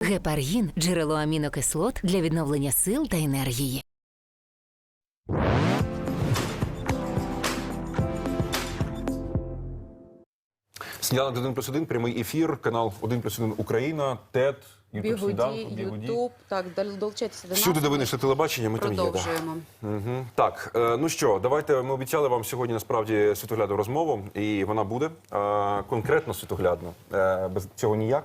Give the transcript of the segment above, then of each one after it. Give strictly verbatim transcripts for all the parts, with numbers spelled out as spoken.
Гепаргін – джерело амінокислот для відновлення сил та енергії. Сніданок один плюс один, прямий ефір, канал один плюс один Україна, ТЕТ, Ютуб Сніданку, Бігуді, Ютуб, так, долучайтеся до нас. Всюди, де ви знайшли телебачення, ми там є. Продовжуємо. Угу. Так, е, ну що, давайте, ми обіцяли вам сьогодні насправді світоглядну розмову, і вона буде е, конкретно світоглядно, е, без цього ніяк.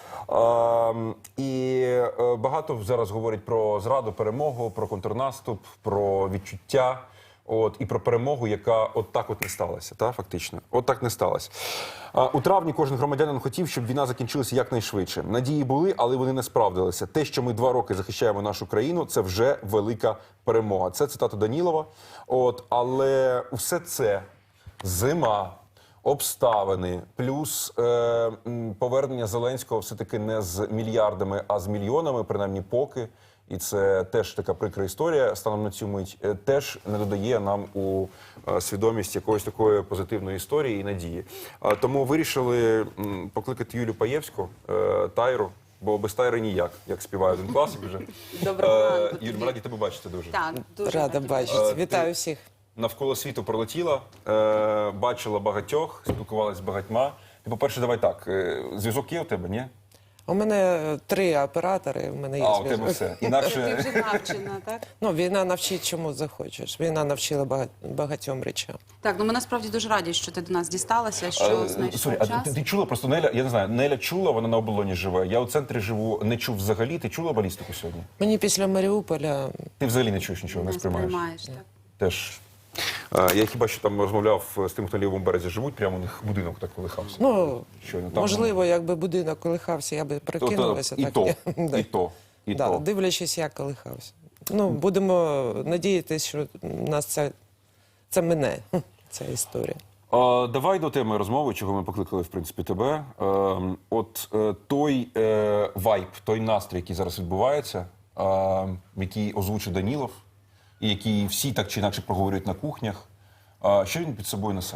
Е, і е, багато зараз говорять про зраду, перемогу, про контрнаступ, про відчуття. От, і про перемогу, яка от так от не сталася, та, фактично. От так не сталося. А, у травні кожен громадянин хотів, щоб війна закінчилася якнайшвидше. Надії були, але вони не справдилися. Те, що ми два роки захищаємо нашу країну, це вже велика перемога. Це цитата Данілова. От, але все це зима, обставини, плюс е, повернення Зеленського все-таки не з мільярдами, а з мільйонами, принаймні поки. І це теж така прикра історія, станом на цю мить, теж не додає нам у свідомість якоїсь такої позитивної історії і надії. Тому вирішили покликати Юлю Паєвську, Тайру, бо без Тайри ніяк, як співає один класик вже. Доброго ранку. Юль, ми раді тебе бачити дуже. Так, дуже Рада бачити. Вітаю всіх. Навколо світу пролетіла, бачила багатьох, спілкувалася з багатьма. Ти, по-перше, давай так, зв'язок є у тебе, ні? У мене три оператори, у мене є А, у тебе зв'язок. все. Ти Інакше... вже навчена, так? Ну, війна навчить чому захочеш. Війна навчила бага- багатьом речам. Так, ну ми насправді дуже раді, що ти до нас дісталася, що знайшов Сорі, а час. ти, ти чула просто Неля, я не знаю, Неля чула, вона на оболоні живе. Я у центрі живу, не чув взагалі. Ти чула балістику сьогодні? Мені після Маріуполя Ти взагалі не чуєш нічого, не Не сприймаєш? сприймаєш, так. Теж. А, я хіба що там розмовляв з тим, хто на лівому березі живуть, прямо у них будинок так колихався. ну, Щойно там, можливо, якби будинок колихався, я би то, то, прикинулася. і, так, то, Да. і то, і Да, то. дивлячись, як колихався. Ну, будемо надіятися, що нас це, це мине, ця історія. А, давай до теми розмови, чого ми покликали, в принципі, тебе. Е, от е, той е, вайб, той настрій, який зараз відбувається, е, який озвучив Данілов, і який всі так чи інакше проговорюють на кухнях, е, що він під собою несе?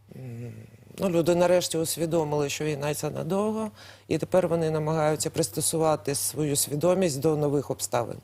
Ну, люди нарешті усвідомили, що війна це надовго, і тепер вони намагаються пристосувати свою свідомість до нових обставин.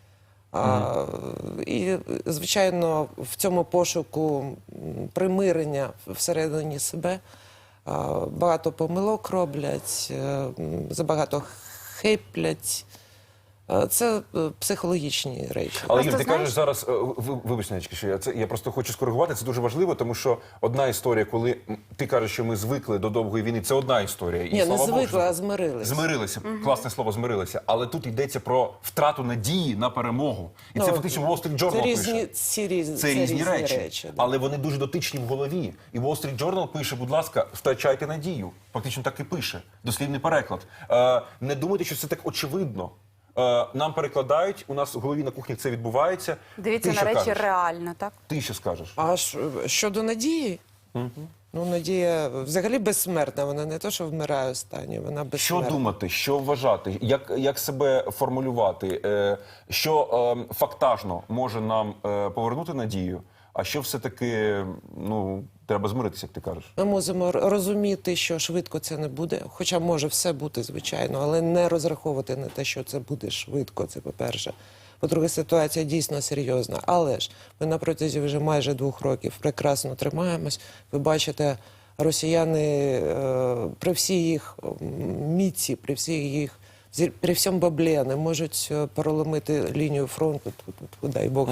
А, і, звичайно, в цьому пошуку м, примирення всередині себе а, багато помилок роблять, е, м, забагато хиплять. Е, Це е, психологічні речі. Але, Просто Юль, ти знаєш- кажеш зараз, е, ви- вибач, Ненечки, що я, це, я просто хочу скоригувати, це дуже важливо, тому що одна історія, коли м, ти кажеш, що ми звикли до довгої війни, це одна історія. І, Ні, не слава Богу, звикли, що- а змирилися. Змирилися, класне слово, змирилися. Але тут йдеться про втрату надії на перемогу. І це Ну, фактично Wall Street Journal Це пише. різні, ці різні, Це різні речі, да. але вони дуже дотичні в голові. І Wall Street Journal пише, будь ласка, втрачайте надію. Фактично так і пише. Дослівний переклад. Е, не думайте, що це так очевидно. Е, нам перекладають, у нас в голові на кухні це відбувається. Дивіться Ти на що речі кажеш? реально, так? Ти що скажеш? А ш- щодо надії, ну, надія взагалі безсмертна, вона не то, що вмирає останньою, вона Що безсмертна. думати, що вважати, як, як себе формулювати, е, що е, фактажно може нам е, повернути надію, а що все-таки, ну, треба змиритися, як ти кажеш? Ми мусимо р- розуміти, що швидко це не буде, хоча може все бути, звичайно, але не розраховувати на те, що це буде швидко, це по-перше. По-друге, ситуація дійсно серйозна, але ж ми на протязі вже майже двох років прекрасно тримаємось. Ви бачите, росіяни е, при всій їх м, міці, при всій їх, зі- при всьому баблі не можуть е, переломити лінію фронту, тьфу-тьфу-тьфу, дай Бог.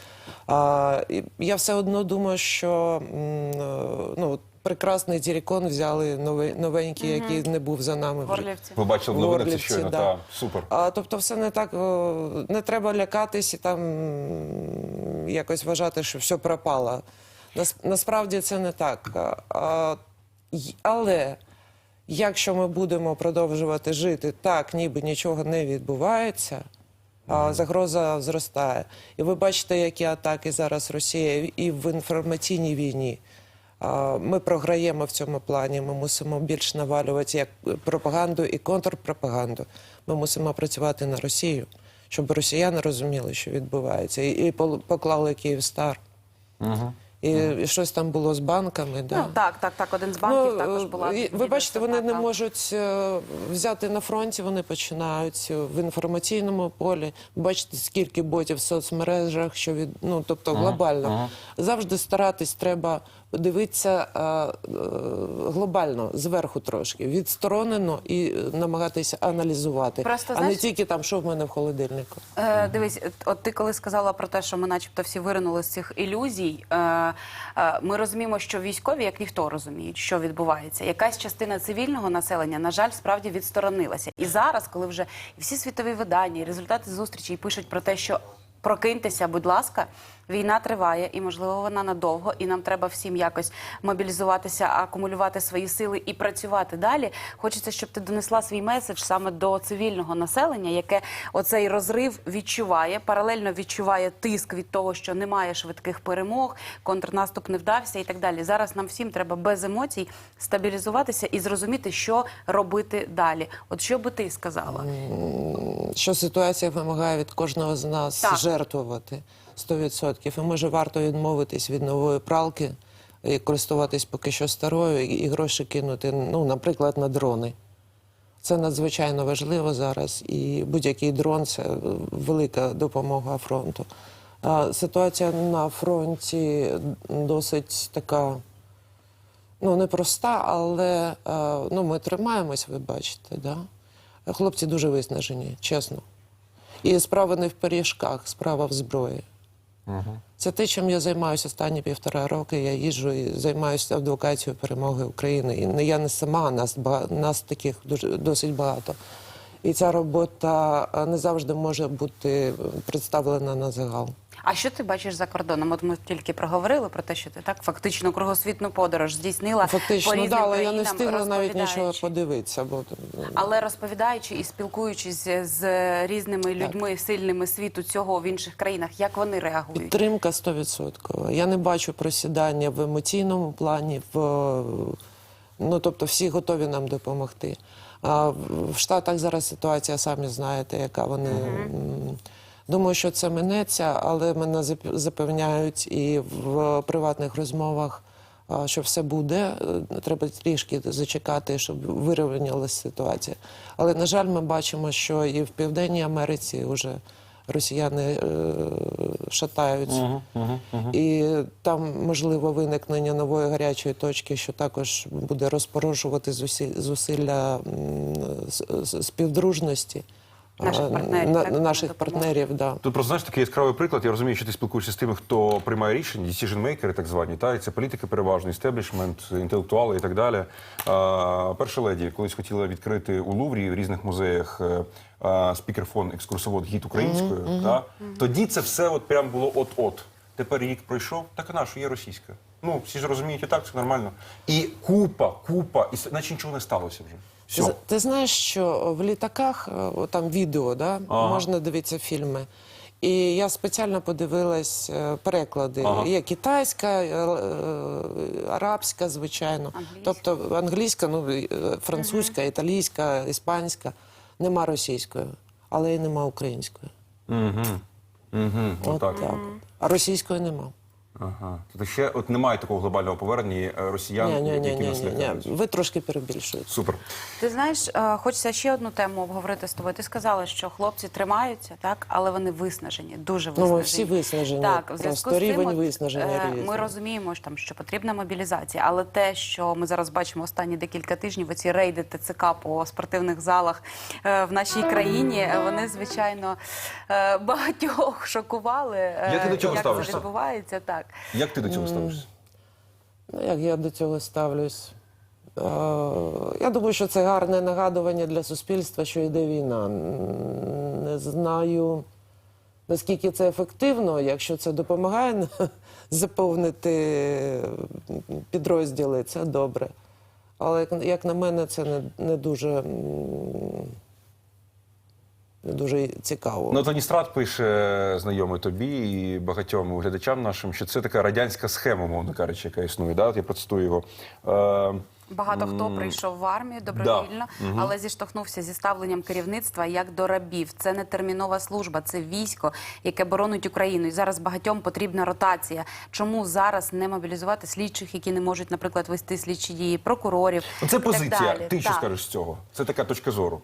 А, і я все одно думаю, що м, е, ну, от прекрасний Тірікон взяли новий, новенький, який не був за нами В вже. Орлівці. Ви бачили в новинах це Горлівці, щойно, да. та, супер. А, тобто все не так, о, не треба лякатись і там м, якось вважати, що все пропало. Нас, насправді це не так. А, а, й- але якщо ми будемо продовжувати жити так, ніби нічого не відбувається, а загроза зростає. І ви бачите, які атаки зараз Росія і в інформаційній війні. А, Ми програємо в цьому плані, ми мусимо більш навалювати як пропаганду і контрпропаганду. Ми мусимо працювати на Росію, щоб росіяни розуміли, що відбувається, і, і пол- поклали Київстар. Угу. І, і щось там було з банками. Да. Ну, так, так, так. Один з банків Ну, також була. і, ви відео бачите, вони не атака. можуть е, взяти на фронті, вони починають в інформаційному полі. Бачите, скільки ботів в соцмережах, що від ну тобто глобально. Завжди старатись треба дивитися е, е, глобально, зверху трошки, відсторонено і намагатися аналізувати, Просто, а знаєш, не тільки там, що в мене в холодильнику. Е, дивись, от ти коли сказала про те, що ми начебто всі виринули з цих ілюзій, е, е, ми розуміємо, що військові, як ніхто, розуміють, що відбувається. Якась частина цивільного населення, на жаль, справді відсторонилася. І зараз, коли вже і всі світові видання, і результати зустрічей пишуть про те, що прокиньтеся, будь ласка, війна триває, і, можливо, вона надовго, і нам треба всім якось мобілізуватися, акумулювати свої сили і працювати далі. Хочеться, щоб ти донесла свій меседж саме до цивільного населення, яке оцей розрив відчуває, паралельно відчуває тиск від того, що немає швидких перемог, контрнаступ не вдався і так далі. Зараз нам всім треба без емоцій стабілізуватися і зрозуміти, що робити далі. От що би ти сказала? Що ситуація вимагає від кожного з нас Так. жертвувати сто відсотків. І може варто відмовитись від нової пралки і користуватись поки що старою, і, і гроші кинути, ну, наприклад, на дрони. Це надзвичайно важливо зараз, і будь-який дрон – це велика допомога фронту. А ситуація на фронті досить така, ну, непроста, але а, ну, ми тримаємось, ви бачите, да? Хлопці дуже виснажені, чесно. І справа не в пиріжках, справа в зброї. Угу. Це те, чим я займаюся останні півтора роки. Я їжджу і займаюся адвокацією перемоги України. І не я не сама, нас, бага... нас таких дуже, досить багато. І ця робота не завжди може бути представлена на загал. А що ти бачиш за кордоном? От ми тільки проговорили про те, що ти так фактично кругосвітну подорож здійснила Фактично, по різним да, але я не країнам, встигла навіть нічого розповідаючи. подивитися. Бо... Але розповідаючи і спілкуючись з різними людьми сильними світу цього в інших країнах, як вони реагують? Підтримка сто відсотків. Я не бачу просідання в емоційному плані, в... ну, тобто всі готові нам допомогти. А в Штатах зараз ситуація, самі знаєте, яка вони... Угу. Думаю, що це минеться, але мене запевняють і в приватних розмовах, що все буде. Треба трішки зачекати, щоб вирівнялася ситуація. Але, на жаль, ми бачимо, що і в Південній Америці вже росіяни шатаються. Uh-huh, uh-huh, uh-huh. І там, можливо, виникнення нової гарячої точки, що також буде розпорошувати зусилля співдружності. Наших партнерів, на, так, наших партнерів, да. Тут просто, знаєш, такий яскравий приклад. Я розумію, що ти спілкуєшся з тими, хто приймає рішення, decision-makers, так звані, та, і це політики переважно, істеблішмент, інтелектуали і так далі. А, перша леді колись хотіла відкрити у Луврі в різних музеях а, спікерфон, екскурсовод, гід українською. Mm-hmm. Та. Mm-hmm. Тоді це все от прям було от-от. Тепер рік пройшов, так і наша, є російська. Ну, всі ж розуміють, і так, це нормально. І купа, купа, і наче нічого не сталося вже. Все. Ти знаєш, що в літаках, там відео, да, ага. можна дивитися фільми. І я спеціально подивилась переклади. Ага. Є китайська, арабська, звичайно. Англійська. Тобто англійська, ну, французька, угу. італійська, іспанська. Нема російської, але і нема української. Угу. Угу. От так. так. А російської нема. Ага. Тобто ще от немає такого глобального повернення росіян, Ні, ні, ні, які ні, нас ні, лякають. ні. Ви трошки перебільшуєте. Супер. Ти знаєш, е, хочеться ще одну тему обговорити з тобою. Ти сказала, що хлопці тримаються, так, але вони виснажені, дуже виснажені. Ну, ми всі виснажені. Так, в зв'язку Просто з цим, рівень от, виснаження е, різний. ми розуміємо, що, там, що потрібна мобілізація, але те, що ми зараз бачимо останні декілька тижнів, оці рейди ТЦК по спортивних залах е, в нашій країні, е, вони, звичайно, е, багатьох шокували. е, Як ти до цього як ставишся? це відбувається, так. Як ти до цього ставишся? Ну, як я до цього ставлюсь? Е, я думаю, що це гарне нагадування для суспільства, що йде війна. Не знаю, наскільки це ефективно, якщо це допомагає заповнити підрозділи, це добре. Але, як на мене, це не, не дуже... Дуже цікаво. Ну, Таністрат пише, знайомий тобі і багатьом глядачам нашим, що це така радянська схема, мовно кажучи, яка існує. Да? От я процитую його. Е, Багато хто прийшов в армію добровільно, але зіштовхнувся зі ставленням керівництва як до рабів. Це не термінова служба, це військо, яке боронить Україну. І зараз багатьом потрібна ротація. Чому зараз не мобілізувати слідчих, які не можуть, наприклад, вести слідчі дії, прокурорів? Це і так позиція. далі? Ти що Так. скажеш з цього? Це така точка зору.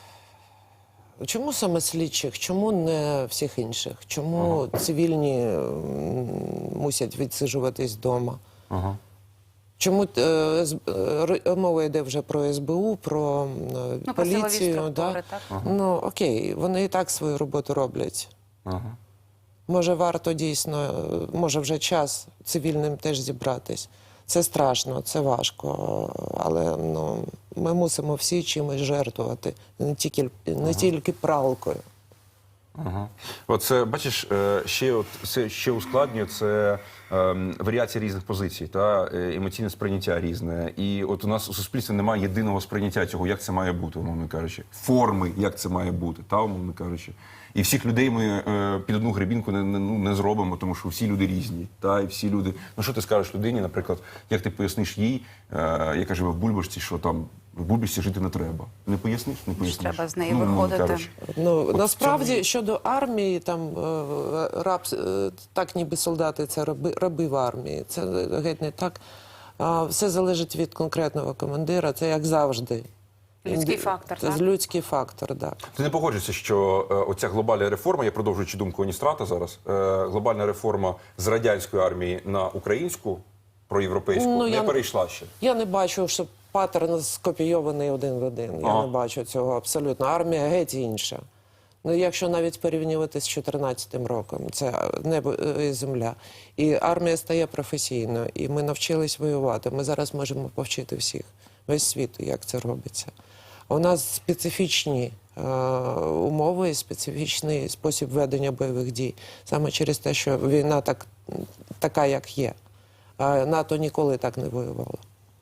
Чому саме слідчих? Чому не всіх інших? Чому цивільні м, мусять відсиджуватись вдома? Ага. Чому е, з- е, р- мова йде вже про ес бе у, про е, Ну, про силові поліцію? структури, Да? так? Ну окей, вони і так свою роботу роблять. Ага. Може, варто дійсно, е, може вже час цивільним теж зібратись. Це страшно, це важко, але ну, ми мусимо всі чимось жертвувати, не тільки, не тільки пралкою. Ага. Оце, бачиш, е, ще, от, це ще ускладнює це ем, варіація різних позицій, та е, емоційне сприйняття різне. І от у нас у суспільстві немає єдиного сприйняття цього, як це має бути, умовно кажучи, форми, як це має бути, та, умовно кажучи. І всіх людей ми е, під одну гребінку не, не, ну, не зробимо, тому що всі люди різні. Та, і всі люди. Ну що ти скажеш людині, наприклад, як ти поясниш їй, е, яка живе в Бульбашці, що там в Бульбашці жити не треба. Не поясниш? Не поясниш. Треба з нею умовно виходити. кажучи. Ну, От насправді, в цьому- щодо армії, там е, раб, е, так ніби солдати це раби, раби в армії. Це геть не так. А, все залежить від конкретного командира, це як завжди. Людський Інди- фактор, Це так? людський фактор, так. Ти не погоджуєшся, що е, оця глобальна реформа, я продовжуючи думку Оністрата зараз, е, глобальна реформа з радянської армії на українську, проєвропейську, Ну, не я- перейшла ще. Я не бачу, що паттерн скопійований один в один. Я Ага. не бачу цього абсолютно. Армія геть інша. Ну, якщо навіть порівнювати з чотирнадцятим роком, це небо і земля. І армія стає професійною, і ми навчились воювати. Ми зараз можемо повчити всіх, весь світ, як це робиться. У нас специфічні е, умови, специфічний спосіб ведення бойових дій. Саме через те, що війна так, така, як є. А НАТО ніколи так не воювало.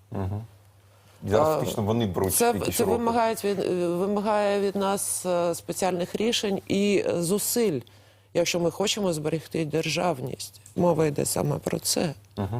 Зараз А, фактично вони беруть Це, якісь це уроки. вимагає від, вимагає від нас е, спеціальних рішень і е, зусиль, якщо ми хочемо зберегти державність. Мова йде саме про це.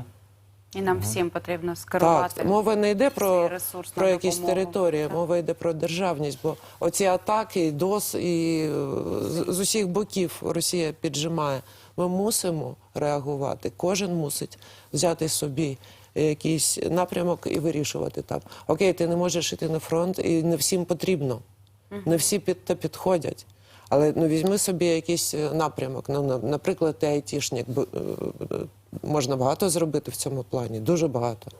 І нам всім потрібно скерувати. Так, мова не йде цей про, ресурс про на якісь допомогу. території, Так. мова йде про державність, бо оці атаки, ДОС і е, з, з усіх боків Росія піджимає. Ми мусимо реагувати. Кожен мусить взяти собі якийсь напрямок і вирішувати там. Окей, ти не можеш йти на фронт, і не всім потрібно. Не всі під те підходять. Але ну, візьми собі якийсь е, напрямок. Ну, на- наприклад, ти айтішник. бо, е, е, Можна багато зробити в цьому плані, дуже багато.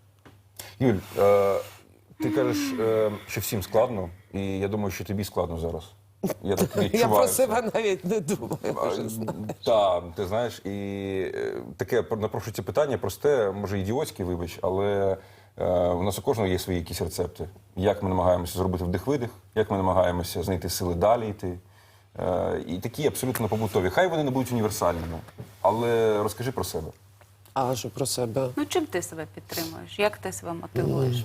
Юль, е, ти кажеш, е, що всім складно, і я думаю, що тобі складно зараз. Я так відчуваю. Я про це. себе навіть не думаю. Так, ти знаєш, і е, таке напрошується питання просте, може ідіотське, вибач, але е, у нас у кожного є свої якісь рецепти. Як ми намагаємося зробити вдих-видих, як ми намагаємося знайти сили далі йти. Е, і такі абсолютно побутові. Хай вони не будуть універсальними, але розкажи про себе. А що про себе? Ну, чим ти себе підтримуєш? Як ти себе мотивуєш?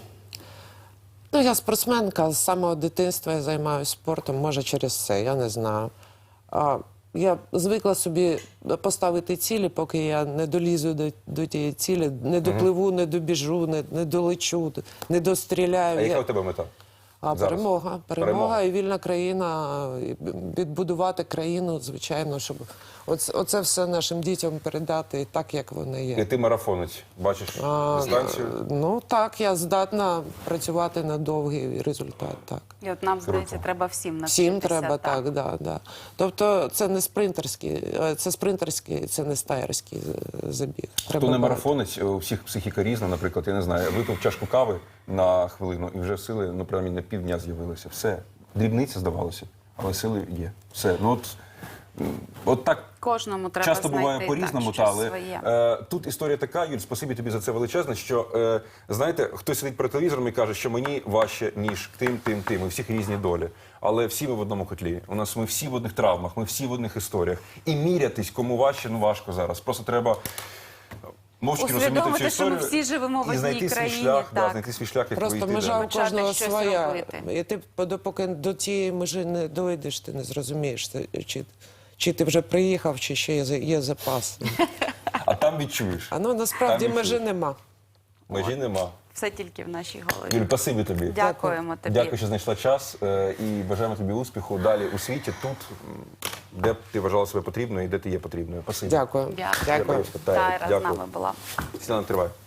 Ну, я спортсменка, з самого дитинства я займаюся спортом, може через це, я не знаю. А, я звикла собі поставити цілі, поки я не долізу до, до тієї цілі, не допливу, не добіжу, не, не долечу, не достріляю. А яка Я- у тебе мета? А зараз? перемога, перемога, Перемога. і вільна країна, і відбудувати країну, звичайно, щоб оце, оце все нашим дітям передати так, як вони є. І ти марафонець, бачиш А, дистанцію? ну так, я здатна працювати на довгий результат, так. І от нам, здається, Круто. треба всім навчитися. Всім треба, так, да, да. Тобто це не спринтерський, е, це спринтерський, це не стаєрський е, забіг. Треба Хто не багато. марафонець, у всіх психіка різна, наприклад, я не знаю, випив чашку кави на хвилину і вже сили, ну, принаймні, на півдня з'явилися. Все. Дрібниця, здавалося, але сили є. Все. Ну, от, м, от так Кожному треба часто знайти буває по-різному, так, та, щось але своє. е, тут історія така, Юль, спасибі тобі за це величезне, що, е, знаєте, хтось сидить перед телевізором і каже, що мені важче, ніж тим, тим, тим. У всіх різні долі. Але всі ми в одному котлі. У нас ми всі в одних травмах, ми всі в одних історіях. І мірятись, кому важче, ну важко зараз. Просто треба мовчки розуміти цю Усвідомити, що ми історію всі живемо в і знайти одній свій країні, шлях, да, так. знайти свій шлях, як Просто вийти межа далі. у кожного Почати щось своя. робити. І ти допоки до тієї межі не дойдеш, ти не зрозумієш, це- чи, чи ти вже приїхав, чи ще є, за- є запас. А там відчуєш. А ну насправді Там межі відчуєш. нема. Межі нема. все тільки в нашій голові. Юль, спасибі тобі. Дякуємо тобі. Дякую, що знайшла час е, і бажаємо тобі успіху далі у світі, тут, м, де б ти вважала себе потрібною і де ти є потрібною. Спасибі. Дякую. Дякую. Дякую. Тайра з Дякую. нами була. Сніданок триває.